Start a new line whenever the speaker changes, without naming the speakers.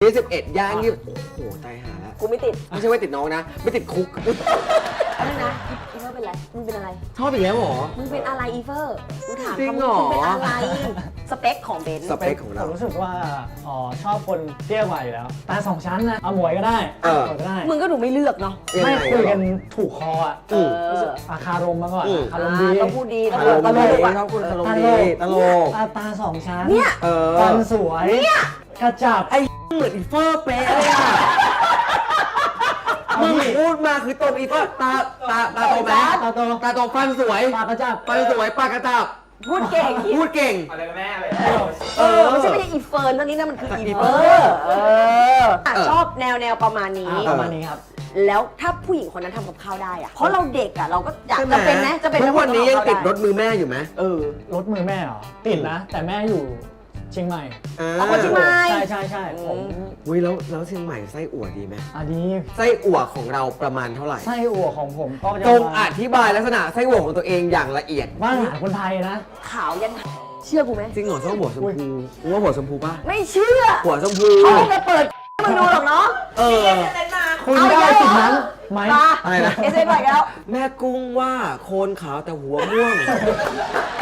21ย่างยี่โอ้โหตายหาแล้ว
กูไม่ติด
ไม่ใช่ว่าติดน้องนะ ไม่ติดคุก
อะไรนะอีเฟอร์เป็นไรมึงเป็นอะไร
ชอบอีกแล้วเหรอ
มึงเป็นอะไรอีเฟอร์กูถาม
จริง
คำ
เหรอ
มึงเป็นอะไรสเปคของเบนซ์
สเปคของเรา
ผมรู้สึกว่าชอบคนเตี้ยกว่าอยู่แล้วตาสองชั้นนะเอาหมวยก็ได้
เออ
หมวยก็ได้
มึงก็ดูไม่เลือกเนาะ
ยัง
ไม่
ไง
คุยกันถูกคออ่ะ
อืม
รู้สึกอาคารมมาก่อน
อืม
อารมณ์ดี
ต้องพูดดีต้
ต
อง
ล
ต
ก
ล
ดี
กอะ
ชอบคุณตลกดีตลก
ตาสองชั้น
เนี่ย
เออ
ฟันสวยกระจับ
ไอ้เหมือนอีเฟอร์เป๊ะเลยอ่ะมึงพูดมาคือตรงอีเฟอร์ตาโตไหม
ตาโต
ตาโตฟันสวย
ปากกระจับ
ฟันสวยปากกระจับ
พูดเก่ง
พูดเก่ง
ไม่ใช่อีเฟิร์นตอนนี้นะมันคืออีเฟอ
เอ
ร์
อ
ชอบแนวประมาณนี้
ประมาณนี้ครับ
แล้วถ้าผู้หญิงคนนั้นทำกับข้าวได้อะเพราะเราเด็กอะเราก็อยาก
ใช่ไหม
จะเป็นไหมจะเป็น
ทุกวันนี้ยังติดรถมือแม่อยู่ไหม
รถมือแม่เหรอติดนะ แต่แม่อยู่เชียงใหม่
เอาคนที่ไม่
ใช่ผม
อุ้ยแล้วเชียงใหม่ไส้อั่วดีไหม
อันนี้
ไส้อั่วของเราประมาณเท่าไหร่
ไส้อั่วของผมก็จะ
จง
มา
อธิบายลักษณะไส้อั่วของตัวเองอย่างละเอียด
บ้านอาหารคนไทยนะ
ขาวยันเชื่อกูไหม
จริงเหรอต้องหัวชมพูกูว่าหัวชมพูป่ะ
ไม่เชื่อ
หัวชมพู
เขาไม่ไปเปิดให้มึงดูหรอกเนาะ
เออ
คุณได้สิทธิ์นั้นไหม
มา
อะไรนะ
เอสเอ็นไปแล้ว
แม่กุ้งว่าโคนขาวแต่หัวม่วง